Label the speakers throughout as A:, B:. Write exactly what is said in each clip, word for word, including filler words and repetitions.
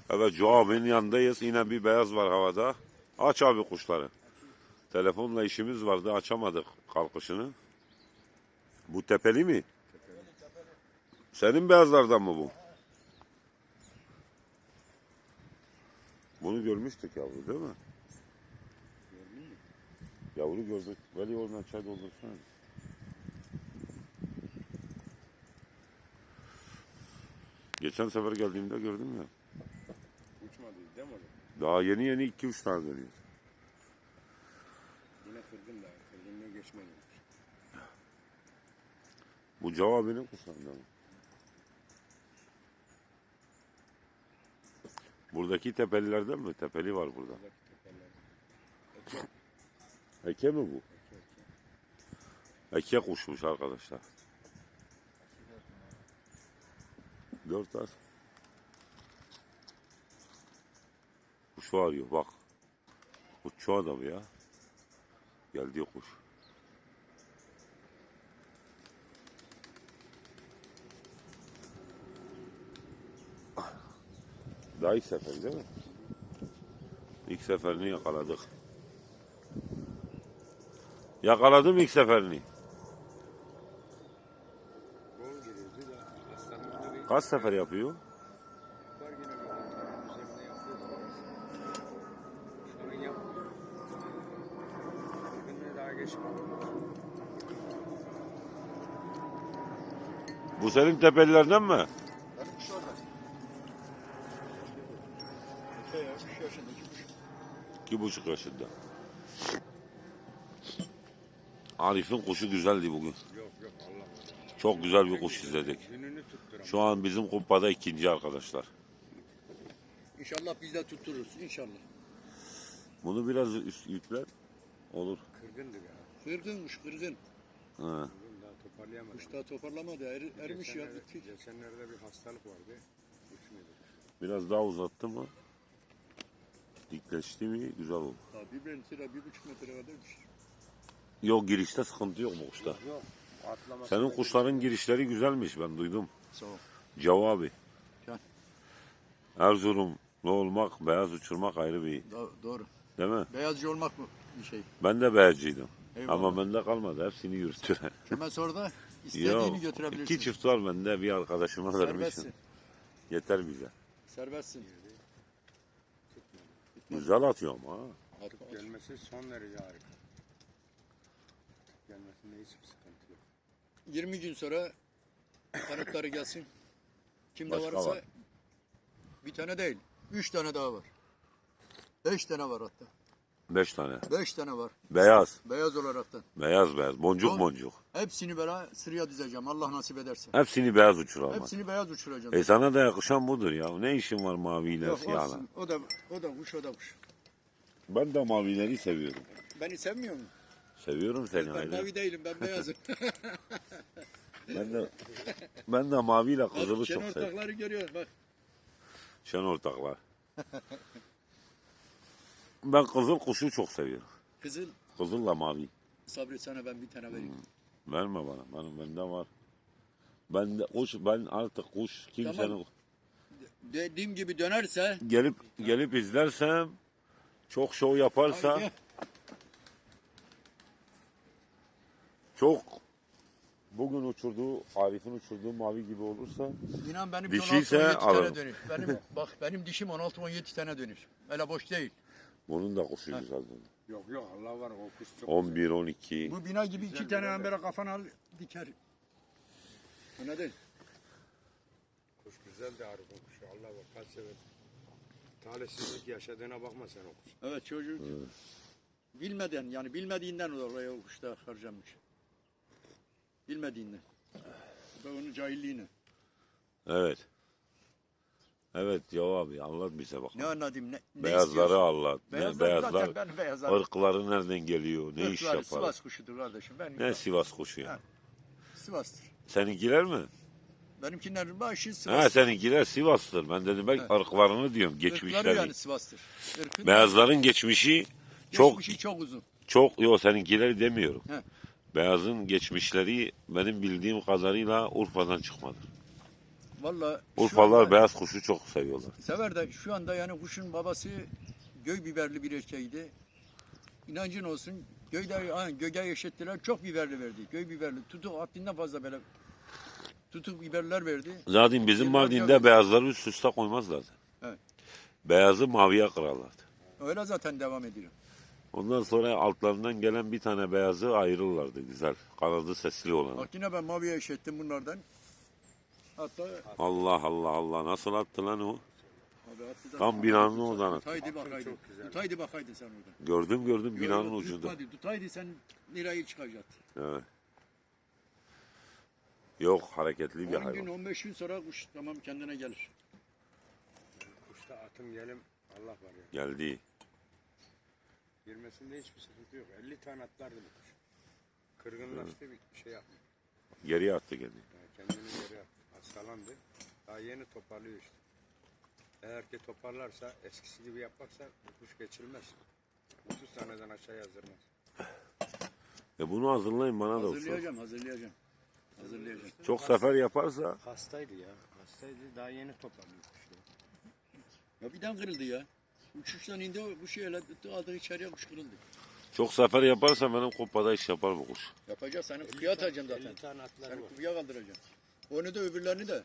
A: Evet, Joe abinin yanındayız. Yine bir beyaz var havada. Aç abi kuşları. Telefonla işimiz vardı, açamadık kalkışını. Bu tepeli mi? Senin beyazlardan mı bu? Bunu görmüştük yavru değil mi? Yavru gördük. Veli oradan çay doldursana. Geçen sefer geldiğimde gördüm ya.
B: Uçmadı değil mi?
A: Daha yeni yeni iki üç tane dönüyor.
B: Yine kırgın da. Kırgınlığı geçmedi.
A: Bu cevabının kuşlarından mı? Buradaki tepelilerden mi? Tepeli var burada.
B: Eke.
A: Eke mi bu? Eke kuşmuş arkadaşlar. Dört az. Kuşu arıyor bak. Kuşçu adam ya. Geldi kuş. Daha ilk sefer değil mi? İlk seferini yakaladık. Yakaladım ilk seferini.
B: Gol giriyordu da aslanlıkta bir
A: Kaç sefer yapıyor?
B: var yine bir üzerinde yapıyordu. Şu an yapmıyor. Kırgınlığı daha geçmedi.
A: Bu senin tepelilerden mi?
C: Benim kuş orada. Eke ya, üç yaşındaki kuş.
A: İki buçuk yaşında. Arif'in kuşu güzeldi bugün.
B: Yok yok Allah.
A: Çok güzel bir kuş izledik.
B: Gününü tutturamıyor.
A: Şu an bizim kupada ikinci arkadaşlar.
C: İnşallah biz de tuttururuz. İnşallah.
A: Bunu biraz üst yükler. Olur.
B: Kırgındı ya.
C: Kırgınmış kırgın.
A: Ha.
B: Kırgın daha toparlayamadı.
C: Kuş daha toparlamadı. Er, ermiş ya.
B: Geçenlerde-
C: Bitti.
B: Geçenlerde bir hastalık vardı. Uçmuyordu.
A: Biraz daha uzattı mı? Dikleşti mi? Güzel olur.
C: Daha bir metre, bir buçuk metre kadarmış.
A: Yok, girişte sıkıntı yok bu kuşta.
B: Yok. Atlaması
A: Senin kuşların girişleri güzelmiş, ben duydum.
C: Sağ ol.
A: Cavu abi.
C: Can.
A: Erzurumlu olmak, beyaz uçurmak ayrı bir,
C: Do- doğru.
A: değil mi?
C: Beyazcı olmak mı bir şey?
A: Ben de beyazcıydım.
C: Eyvallah.
A: Ama bende kalmadı. Hepsini yürüttüler.
C: Hemen sonra da istediğini
A: Yok.
C: götürebilirsin.
A: İki çift var bende. Bir arkadaşıma vermişim.
C: Serbestsin.
A: Yeter bize.
C: Serbestsin.
A: Güzel atıyor ama. ha.
C: At, at.
B: gelmesi son derece harika. Gelmesinde hiçbir sıkıntı yok.
C: yirmi gün sonra kanıtları gelsin. Kimde
A: Başka
C: varsa
A: var.
C: bir tane değil. Üç tane daha var. Beş tane var hatta.
A: Beş tane.
C: Beş tane var.
A: Beyaz.
C: Beyaz olaraktan.
A: Beyaz beyaz. Boncuk
C: Son-
A: boncuk.
C: Hepsini böyle sıraya dizeceğim. Allah nasip ederse.
A: Hepsini beyaz uçur ama.
C: Hepsini beyaz uçuracağım.
A: E sana da yakışan budur ya. Ne işin var maviyle
C: Yok
A: siyahla?
C: olsun. O da o da kuş, o da kuş.
A: Ben de mavileri seviyorum.
C: Beni sevmiyor mu?
A: Seviyorum seni
C: Ben
A: ayrı.
C: mavi değilim, ben beyazım.
A: Ben de ben de maviyle kızılı
C: Bak,
A: çok
C: Şen
A: seviyorum.
C: ortakları görüyorsun bak.
A: Şen ortaklar. Ben kızıl kuşu çok seviyorum.
C: Kızıl
A: Kızılla mavi.
C: Sabri, sana ben bir tane vereyim.
A: Verme bana. Benim bende var. Ben de kuş, ben artık kuş kimsenin
C: Tamam. Dediğim gibi dönerse
A: gelip gelip izlersem, çok şov yaparsa,
C: Haydi.
A: çok bugün uçurduğu, Arif'in uçurduğu mavi gibi olursa,
C: inan benim
A: Dişiyse
C: on altı on yedi
A: alırım.
C: tane dönüş. Benim bak benim dişim on altı on yedi tane dönüş. Öyle boş değil.
A: bunun da kuşu güzel.
B: Yok yok Allah var o kuş çok
A: on bir on iki.
C: Bu bina gibi iki tane ambere kafana al diker. Anladın?
B: kuş güzel de harika kuş. Allah var kaç sever. Talihsizlik yaşadığına bakma sen o kuş.
C: Evet, çocuk bilmeden, yani bilmediğinden oraya o kuşta harcamış. Bilmediğinden. Bu da onun cahilliğine.
A: Evet. Evet cevabı anlat bize bakalım.
C: Ne anladım, ne, ne
A: Beyazları
C: istiyorsun?
A: anlat. Ne,
C: Beyazlar,
A: beyazlar,
C: zaten ben beyazlar.
A: ırkları nereden geliyor, ne iş
C: Irkları
A: yapar?
C: Sivas kuşudur kardeşim. Ben
A: Ne Sivas kuşu ya?
C: Ha. Sivas'tır.
A: Seninkiler mi?
C: Benimkilerin başı Sivas.
A: Ha, seninkiler Sivas'tır. Ben dedim ben
C: Evet.
A: ırklarını diyorum,
C: Irkları
A: geçmişleri.
C: yani Sivas'tır. Irkın
A: Beyazların geçmişi çok
C: geçmişi çok uzun.
A: çok yok, seninkileri demiyorum.
C: He.
A: Beyazın geçmişleri benim bildiğim kadarıyla Urfa'dan çıkmadır.
C: Valla
A: Urfalılar beyaz kuşu çok seviyorlar.
C: sever de şu anda yani kuşun babası göy biberli bir erkeğiydi. İnancın olsun göyde ha, göge eşittiler çok biberli verdi. Göy biberli tutuk haddinden fazla böyle tutuk biberler verdi.
A: Zaten bizim
C: Yıllarca
A: Mardin'de
C: verdi.
A: beyazları üst üste koymazlardı.
C: Evet.
A: Beyazı maviye kırarlardı.
C: Öyle zaten devam ediyor.
A: Ondan sonra altlarından gelen bir tane beyazı ayırırlardı güzel. Kanadı sesli olan.
C: Bak yine ben maviye eşittim bunlardan. Hatta
A: Allah Allah Allah nasıl attı lan o?
C: abi hatta
A: Tam binanın oradan attı.
C: Tutaydı bakaydı. Tutaydı bakaydı sen orada.
A: Gördüm gördüm binanın
C: Yok, yok,
A: ucunda.
C: tutmadı. Tutaydı sen lirayı çıkacaktı.
A: Evet. Yok hareketli bir
C: on gün
A: hayvan.
C: on beş gün sonra kuş tamam kendine gelir.
B: Kuşta atım gelim Allah var ya.
A: Geldi.
B: Girmesinde hiçbir sıkıntı yok. elli tane atlardı bu kuş. Kırgınlaştı bir şey yapmıyor.
A: Geriye attı kendini.
B: Yani kendini geri attı. Hastalandı. Daha yeni toparlıyor işte. Eğer ki toparlarsa eskisi gibi yaparsa bu kuş geçilmez. otuz taneden aşağı yazdırmaz.
A: E bunu hazırlayın bana da olsun.
C: Hazırlayacağım, hazırlayacağım. Hazırlayacağım.
A: Çok sefer yaparsa
B: Hastaydı ya. Hastaydı. Daha yeni toparlıyor kuşları.
C: Ya birden kırıldı ya. Uçuştan indi o bu şeyle aldı içeriye kuş kırıldı.
A: çok sefer yaparsa benim kupada iş yapar bu kuş.
C: Yapacağız seni kutuya atacağım zaten.
B: elli tane atları
C: Seni
B: var.
C: kutuya kaldıracağım. Onu da öbürlerini de.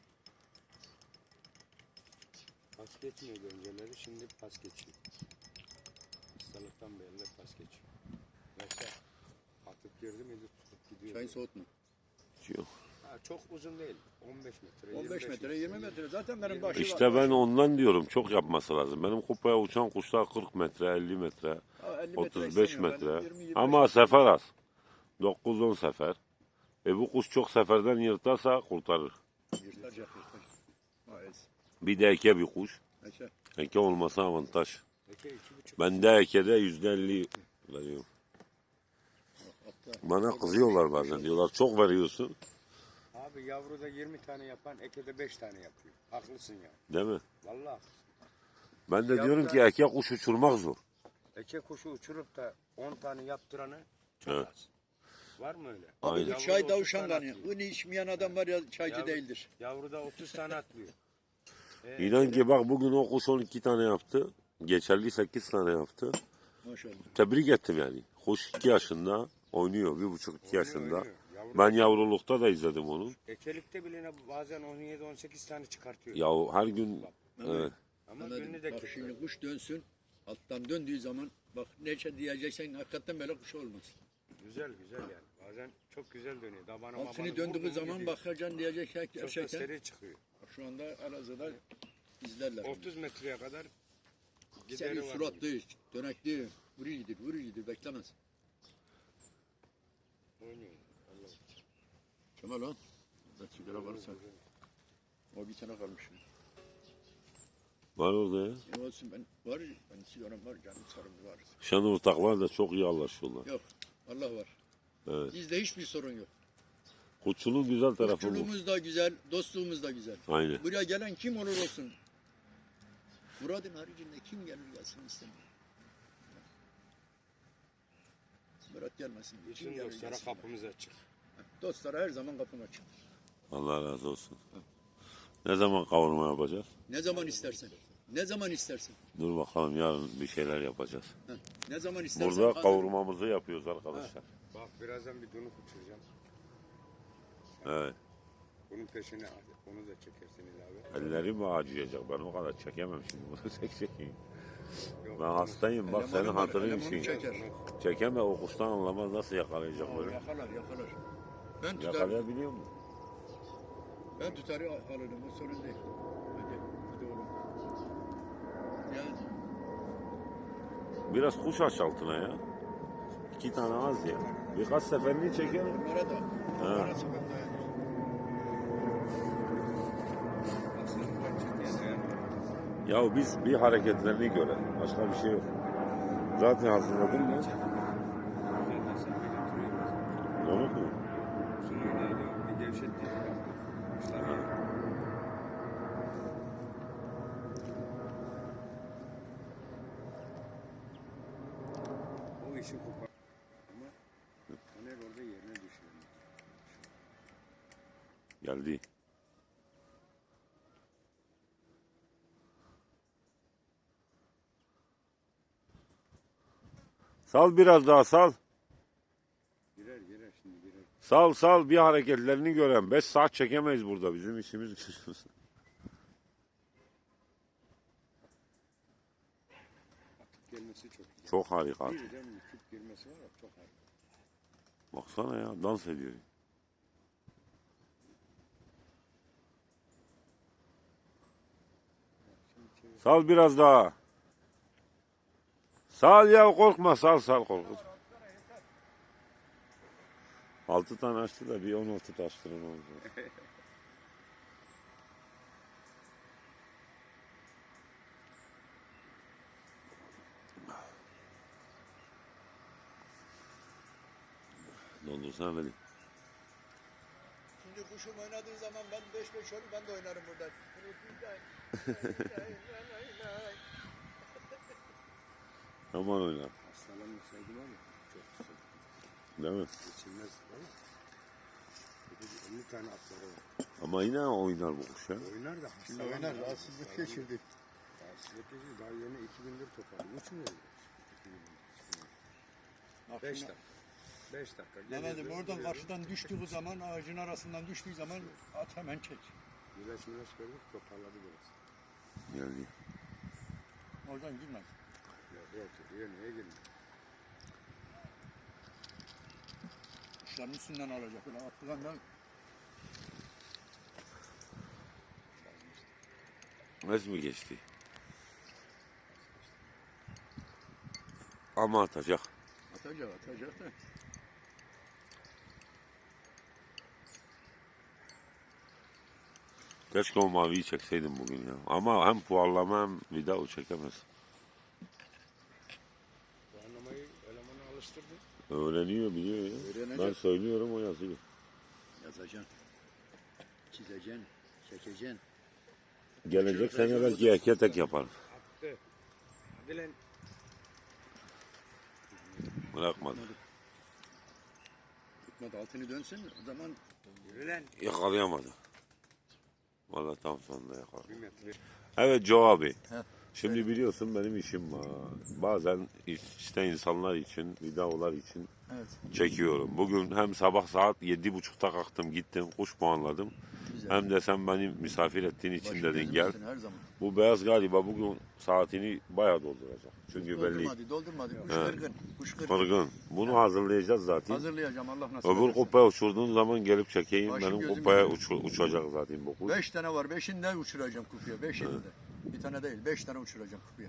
B: Pas geçmiyordu önceleri. Şimdi pas geçiyor. Hastalıktan belli pas geçiyor. Yoksa atıp girdi miydi tutup gidiyor.
C: Çayın soğutma.
A: Yok.
B: Ha, çok uzun değil. on beş metre.
C: on beş
B: yirmi beş
C: metre, yirmi metre. Zaten benim başı
A: İşte ben ondan diyorum çok yapması lazım. Benim kupaya uçan kuşlar kırk metre, elli metre,
C: Ha, elli metre
A: otuz beş
C: istemiyorum ben.
A: metre.
C: yirmi, yirmi beş
A: Ama
C: metre.
A: sefer az. dokuz on sefer. E bu kuş çok seferden yırtarsa kurtarır.
C: Yırtacak, yırtacak. Maalesef.
A: Bir de eke bir kuş.
C: Neyse.
A: Eke olmasa avantaj.
B: Peki iki buçuk.
A: Ben de ekede yüzde elli veriyorum.
C: Hatta
A: Bana kızıyorlar bazen diyorlar çok veriyorsun.
B: Abi yavruda yirmi tane yapan ekede beş tane yapıyor. Haklısın ya.
A: Değil mi?
B: Vallahi haklısın.
A: Ben de
B: Ya
A: diyorum
B: da-
A: ki eke kuş uçurmak zor.
B: Eke kuşu uçurup da on tane yaptıranı çok
A: Evet.
B: az. Var mı öyle?
A: Aynen.
B: Yavruda
C: çay
B: otuz
C: davuşan
B: tane
C: kanı.
B: atlıyor.
C: Bunu içmeyen adam var ya çaycı
B: Yavru-
C: değildir.
B: Yavruda otuz tane atlıyor. Ee,
A: İnan ki bak bugün o kuş on iki tane yaptı. Geçerli sekiz tane yaptı.
C: Maşallah.
A: Tebrik ettim yani. Kuş iki yaşında oynuyor. Bir buçuk iki
B: Oynuyor,
A: yaşında.
B: oynuyor. Yavru-
A: Ben yavrulukta da izledim onu.
B: Ekelikte bile ne- bazen on yedi on sekiz tane çıkartıyor.
A: Ya her gün evet.
B: Ama
C: Anladım.
B: gününü de
C: Bak
B: kırpıyor.
C: şimdi kuş dönsün. Alttan döndüğü zaman bak ne şey diyeceksen hakikaten böyle kuş olmaz.
B: Güzel güzel yani. Bazen çok güzel dönüyor. Dabana mabana
C: Altını
B: vurdu
C: döndüğü
B: mu
C: zaman
B: gidiyor.
C: bakacaksın diyecek şey
B: Çok da
C: gerçekten.
B: seri çıkıyor.
C: Şu anda Elazığ'da izlerler.
B: otuz metreye kadar
C: Seri
B: gideri var.
C: suratlı, dönekli, vurucudur, vurucudur, beklemez.
B: Oynuyor. Allah.
C: Kemal o. Burada sigara varsa. O bir tane kalmış.
A: Var orada ya.
C: Ne olsun ben var, ben sigaram var, canım sarım var.
A: Şanlıurtaklar da çok iyi anlaşıyorlar.
C: Yok, Allah var.
A: Evet.
C: Bizde hiçbir sorun yok.
A: Kuşçuluğun güzel tarafı bu.
C: Kuşçuluğumuz da güzel, dostluğumuz da güzel.
A: Aynen.
C: Buraya gelen kim olur olsun. Murad'ın haricinde kim gelir gelsin istemiyor. Murat gelmesin. Kim
B: Bütün
C: gelir
B: dostlara
C: gelsin.
B: kapımız açık.
C: Dostlara her zaman kapım açık.
A: Allah razı olsun. Ne zaman kavurma yapacağız?
C: Ne zaman istersen. Ne zaman istersen.
A: Dur bakalım yarın bir şeyler yapacağız.
C: Heh, ne zaman istersen.
A: Burada
C: hazır.
A: kavurmamızı yapıyoruz arkadaşlar.
B: Bak birazdan bir donuk uçuracağım.
A: Evet.
B: Bunun peşine onu da çekersin ilave.
A: Ellerim acıyacak. Ben o kadar çekemem şimdi bunu tek çekeyim.
B: Yok,
A: Ben
B: bunu-
A: hastayım bak
C: Elemanım
A: senin
C: var,
A: hatırın
C: elemanım
A: için.
C: çeker.
A: Çekeme o kuştan anlamaz nasıl yakalayacak
C: Aa,
A: böyle.
C: yakalar yakalar. Ben tutarım.
A: Yakalayabiliyor mu?
C: Ben tutarı alırım. O sorun değil. Hadi. Hadi oğlum. Yani
A: Biraz kuş aç altına ya. İki tane az ya. Birkaç seferini çekelim.
C: bunlara da. Bunlara sebep dayanır.
B: Aslında ben ciddiye dayanmıyorum.
A: Ya biz bir hareketlerini görelim. Başka bir şey yok. Zaten hazırladın mı?
B: Zaten sen beni duruyorsun.
A: Onu mu?
B: Şunu oynaydı, bir gevşetti. Kuşlar ya. O işi kopar. Ama Taner orada yerine düşüyor.
A: Geldi. Sal biraz daha sal.
B: Girer girer şimdi girer.
A: Sal sal bir hareketlerini gören. Beş saat çekemeyiz burada. Bizim işimiz gücümüz.
B: Atıp gelmesi çok güzel.
A: Çok harika.
B: Birden küp girmesi var ya çok harika.
A: Baksana ya dans ediyor. Sal biraz daha. Sal ya korkma sal sal korkma. Altı tane açtı da bir on altı açtırın oldu. Dondursana beni.
C: Şimdi kuşum oynadığı zaman ben beş beş olur ben de oynarım burada.
A: Aman oyna.
B: Hastalanmasaydım ama çok güzel.
A: Değil mi?
B: Geçilmez ama. elli tane atları var.
A: Ama yine oynar bu kuş ya.
B: Oynar da
C: Şimdi
B: hastalanmaz.
C: oynar rahatsızlık geçirdi.
B: Rahatsızlık geçirdi. Daha yeni iki gündür toparlı. Uçmuyor. beş dakika. beş dakika.
C: Mehmet'im
B: Geliyordu,
C: oradan
B: geliyordu.
C: karşıdan düştüğü zaman ağacın arasından düştüğü zaman at hemen çek.
B: Güneş güneş gördük toparladı biraz.
A: Geldi.
C: Oradan girmez.
B: Ya oturuyor niye girmiyor?
C: Kuşların üstünden alacak. Öyle attığından
A: Nasıl mı geçti? Ama atacak.
C: atacak atacak da.
A: Keşke o maviyi çekseydim bugün ya. Ama hem puarlama hem video çekemez.
B: Bu anlamayı elemanı alıştırdı.
A: Öğreniyor biliyor ya.
C: Öğrenecek.
A: Ben söylüyorum o yazıyor.
C: Yazacaksın. Çizeceksin. Çekeceksin.
A: Gelecek sene belki eke tek yapar.
B: Attı. Hadi lan.
A: Bırakmadı.
C: Tutmadı altını dönsün o zaman
B: Yürü lan.
A: Yakalayamadı. Vallahi tam sonunda yakaladı.
B: Bir metre.
A: Evet Joe abi.
C: Heh.
A: Şimdi biliyorsun benim işim var. Bazen işte insanlar için, videolar için
C: evet.
A: çekiyorum. Bugün hem sabah saat yedi buçukta kalktım gittim kuş puanladım.
C: Güzel.
A: Hem de sen beni misafir ettiğin için
C: Başım
A: dedin
C: gözüm
A: gel.
C: üstüne her zaman.
A: Bu beyaz galiba bugün saatini bayağı dolduracak. Çünkü belli
C: Doldurmadı, doldurmadı. Kuş
A: He.
C: kırgın. Kuş kırgın.
A: kırgın. Bunu hazırlayacağız zaten.
C: Hazırlayacağım Allah nasip
A: Öbür
C: ederse.
A: kupaya uçurduğun zaman gelip çekeyim.
C: Başım
A: Benim
C: gözüm
A: kupaya
C: üzerine.
A: uç- uçacak zaten bu kuş.
C: Beş tane var. Beşinde uçuracağım kupuya. Beşinde. Bir tane değil. Beş tane uçuracağım kupuya.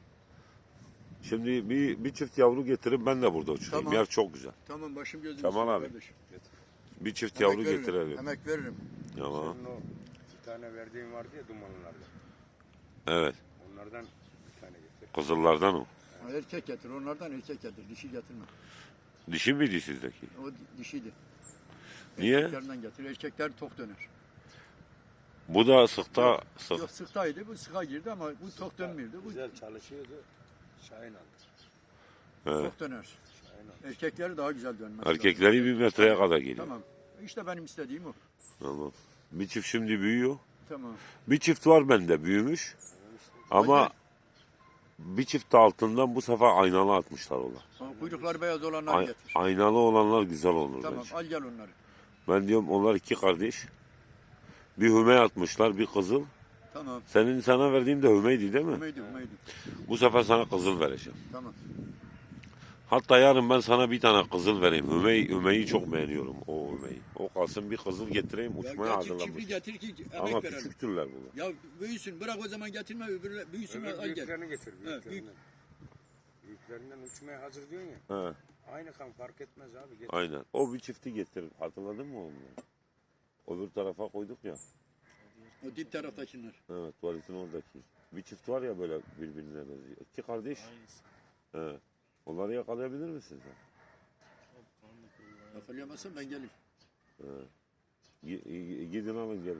A: Şimdi bir, bir çift yavru getirip ben de burada uçurayım.
C: Tamam.
A: Yer çok güzel.
C: Tamam başım gözüm
A: Tamam
C: üstüne
A: abi.
C: kardeşim.
A: Bir çift
C: Emek
A: yavru
C: veririm,
A: getirelim.
C: Emek veririm.
A: Tamam.
B: Senin o iki tane verdiğin vardı ya dumanlılarda.
A: Evet.
B: Onlardan bir tane getir.
A: Kızıllardan o.
C: Erkek getir. Onlardan erkek getir. Dişi getirme.
A: Dişi miydi sizdeki?
C: O di- dişiydi.
A: Niye?
C: Erkeklerden getir. Erkekler tok döner.
A: Bu da sıkta sık.
C: Yok sıktaydı. Bu sıka girdi ama bu tok dönmüyordu. Bu
B: Güzel çalışıyordu. Şahin aldı.
A: Evet.
C: tok döner.
B: Şahin aldı.
C: Erkekleri daha güzel dönmez.
A: Erkekleri bir metreye kadar geliyor.
C: Tamam. İşte benim istediğim o.
A: Tamam. Bir çift şimdi büyüyor.
C: Tamam.
A: Bir çift var bende büyümüş. Ama bir çift de altından bu sefer aynalı atmışlar ona.
C: Ha, kuyrukları beyaz olanları
A: Ay-
C: getir.
A: aynalı olanlar güzel olur
C: Tamam
A: bence.
C: al gel onları.
A: Ben diyorum onlar iki kardeş. Bir hüme atmışlar, bir kızıl.
C: Tamam.
A: Senin sana verdiğim de hümeydi değil mi?
C: Ümeydi ümeydi.
A: Bu sefer sana kızıl vereceğim.
C: Tamam.
A: Hatta yarın ben sana bir tane kızıl vereyim. Hümey, Hümey'i çok beğeniyorum o Hümey'i. O kalsın bir kızıl getireyim
C: Ya
A: uçmaya
C: getir,
A: hazırlamış.
C: çiftli getir ki emek
A: Ama
C: verelim.
A: küçük türler bunlar.
C: Ya büyüsün bırak o zaman getirme öbürü büyüsün
B: Öbür
C: al gel.
B: büyüklerini getir.
C: büyük.
B: Büyüklerinden. Büyüklerinden uçmaya hazır diyorsun ya.
A: He,
B: Aynı kan fark etmez abi. Getir.
A: aynen. O bir çifti getir. Hatırladın mı onu? Öbür tarafa koyduk ya.
C: O dip taraftakiler.
A: Evet, tuvaletin oradaki. Bir çift var ya böyle birbirine benziyor. İki kardeş. He. Onları yakalayabilir misin sen?
C: Yakalayamazsam ben gelirim.
A: Gi- gi- Gidin alın gelin.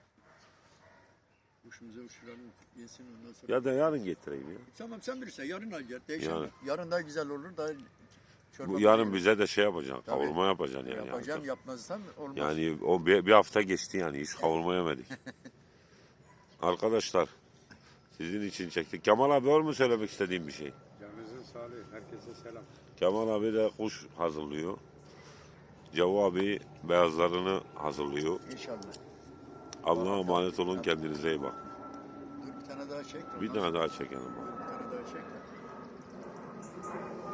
C: Kuşumuza uçuralım. Yesin ondan sonra.
A: Ya da yarın getireyim ya.
C: Tamam sen bilirsen yarın al gel. Değişen
A: Yarın.
C: yarın daha güzel olur da çorba
A: Bu yarın
C: koyarız.
A: bize de şey yapacaksın.
C: Tabii.
A: Kavurma yapacaksın yani.
C: yapacağım
A: yarın.
C: yapmazsam olmaz.
A: Yani o bir, bir hafta geçti yani hiç kavurma yemedik. Arkadaşlar sizin için çektik. Kemal abi var mı söylemek istediğin bir şey?
B: Canınızın sağlıyor. Herkese selam.
A: Kemal abi de kuş hazırlıyor. Cevo abi beyazlarını hazırlıyor.
C: İnşallah.
A: Allah'a emanet olun, kendinize iyi bakın.
C: Dur bir tane daha çek. de
A: Bir
C: ondan
A: tane
C: sonra-
A: daha çekelim.
C: Dur, bir tane daha çek. de.